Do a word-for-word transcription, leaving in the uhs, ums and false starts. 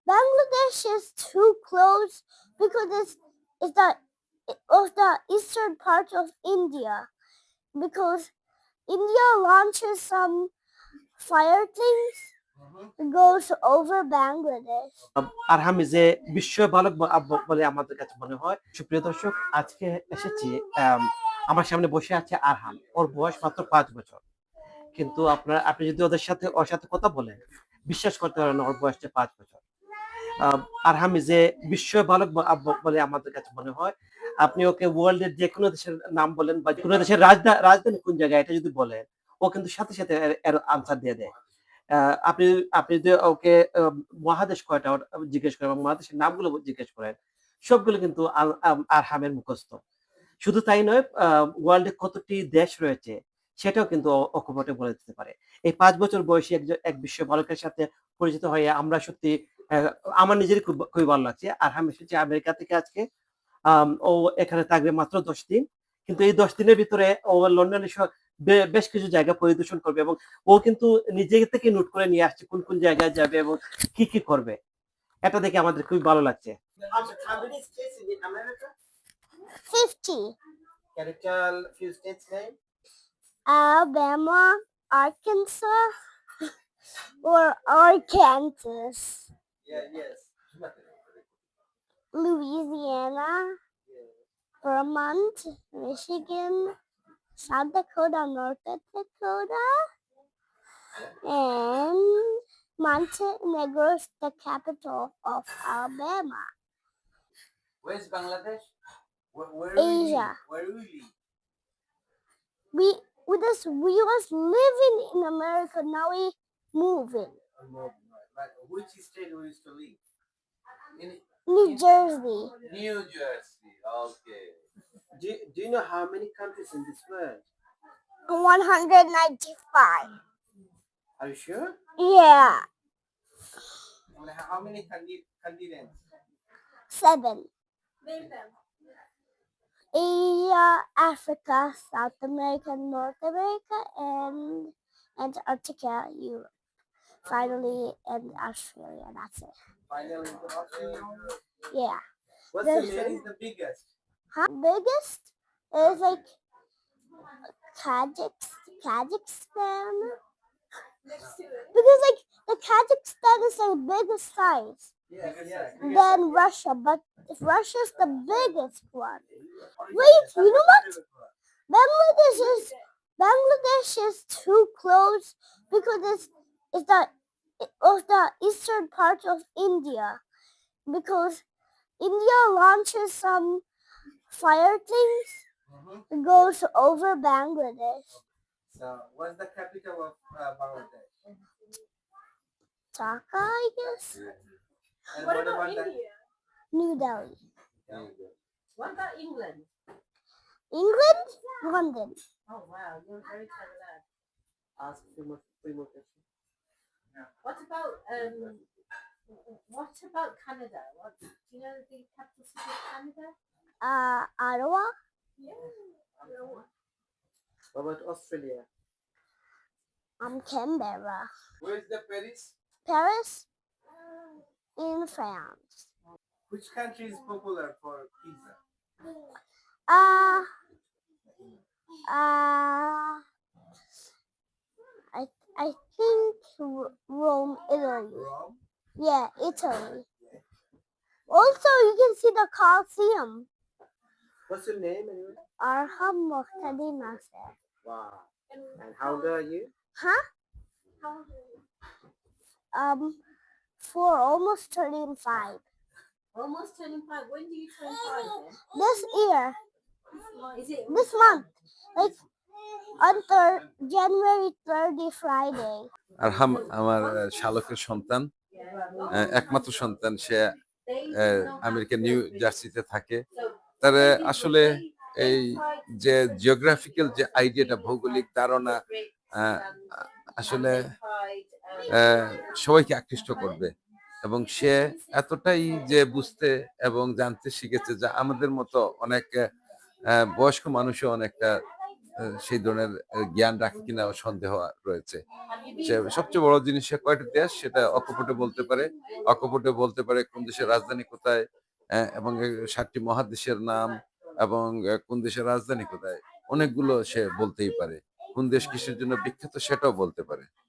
Bangladesh is too close because it's, it's the of the eastern part of India. Because India launches some fire things, it goes over Bangladesh. আরহামি যে বিশ্ব বালক ব- আব- বলে আমাদের কাছে মনে হয়। সুপ্রিয় দর্শক, আজকে এসেছি, আম, আমার সামনে বসে আছে আরহাম। ওর বয়স মাত্র পাঁচ বছর। কিন্তু আপনার আপনি যদি ওদের সাথে ওর সাথে কথা বলেন, বিশ্বাস করতে পারেন না ওর বয়সটা পাঁচ বছর। আহ, আরহামি যে বিশ্ব বালক ব- আব- বলে আমাদের কাছে মনে হয়। আপনি ওকে ওয়ার্ল্ডের যে কোনো দেশের নাম বলেন বা কোনো দেশের রাজধানী রাজধানী কোন জায়গায় এটা যদি বলেন, ও কিন্তু সাথে সাথে এর এর আনসার দিয়ে দেয়। আহ, আপনি আপনি যদি ওকে আহ, মহাদেশ কয়টা ওটা জিজ্ঞেস করেন এবং মহাদেশের নামগুলো জিজ্ঞেস করেন, সবগুলো কিন্তু আল- আম- আরহামের মুখস্থ। শুধু তাই নয়, ওয়ার্ল্ডে কতটি দেশ রয়েছে সেটাও কিন্তু ও অকপটে বলে দিতে পারে। এই পাঁচ বছর বয়সী একজন এক বিশ্ব বালকের সাথে পরিচিত হয়ে আমরা সত্যি, আহ, আমার নিজেরই খুব খুবই ভালো লাগছে। আর আমি এসেছি আমেরিকা থেকে আজকে। আম, ও এখানে থাকবে মাত্র দশ দিন। কিন্তু এই দশ দিনের ভিতরে ও লন্ডনে স- বে- বেশ কিছু জায়গা পরিদর্শন করবে এবং ও কিন্তু নিজে থেকে নোট করে নিয়ে আসছে কোন কোন জায়গায় যাবে এবং কি কি করবে। এটা দেখে আমাদের খুবই ভালো লাগছে। fifty. Can you tell few states name? Alabama, Arkansas, or Arkansas, Yeah, yes. Louisiana, Vermont, Michigan, South Dakota, North Dakota, and Montenegro is the capital of Alabama. Where's Bangladesh? Where, where Asia. Where do we live? We with us we was living in America, now we moving. Like, which state we used to live? In New Jersey. New Jersey. Okay. Do, do you know how many countries in this world? one hundred ninety-five. Are you sure? Yeah. And how many condi- continents? Seven. Asia, Africa, South America, North America, and Antarctica, Europe. Finally, and Australia. That's it. Finally, into Australia. Yeah. What's There's- the where is the biggest? Huh? Biggest is like Kazakh, Kazakhstan. Because like the Kazakhstan is the biggest size. Yes, yes. Then Russia, but Russia's the biggest one. Wait, you know what? Bangladesh is Bangladesh is too close because it's it's the of the eastern part of India. Because India launches some fire things, it goes over Bangladesh. So, what's the capital of uh, Bangladesh? Dhaka, I guess. And What about the- India? New Delhi. What about England? England, London. Oh wow, you're very clever lad. Ask three more, three more questions. What about um? What about Canada? What do you know the capital city of Canada? Uh, Ottawa. What about Australia? Um, Canberra. Where's the Paris? Paris, in France. Which country is popular for pizza? Uh, uh, I I think R- Rome, Italy. Rome. Yeah, Italy. Also, you can see the Colosseum. What's your name anyway? Arham Muhtadi Nasser. Wow. And how old are you? Huh? Um, for almost turning five. Almost turning five. When do you turn five then? This year, Is it this month, like on thir- January thirtieth, Friday. আরহাম আমার আহ, শালকের সন্তান, আহ, একমাত্র সন্তান। সে আহ, আমেরিকার new জার্সিতে থাকে। তার আহ, আসলে এই যে জিওগ্রাফিক্যাল যে আইডিয়াটা, ভৌগোলিক ধারণা আহ, আসলে আহ, সবাইকে আকৃষ্ট করবে। এবং সে এতটাই যে বুঝতে এবং জানতে শিখেছে, যা আমাদের মতো অনেক আহ, বয়স্ক মানুষও অনেকটা আহ, সেই ধরনের আহ, জ্ঞান রাখে কিনা সন্দেহ রয়েছে। সে সবচেয়ে বড় জিনিস সে কয়টা দেশ সেটা অকপটে বলতে পারে, অকপটে বলতে পারে কোন দেশের রাজধানী কোথায়, আহ, এবং এই সাতটি মহাদেশের নাম, এবং আহ, কোন দেশের রাজধানী কোথায়, অনেকগুলো সে বলতেই পারে। কোন দেশ কিসের জন্য বিখ্যাত সেটাও বলতে পারে।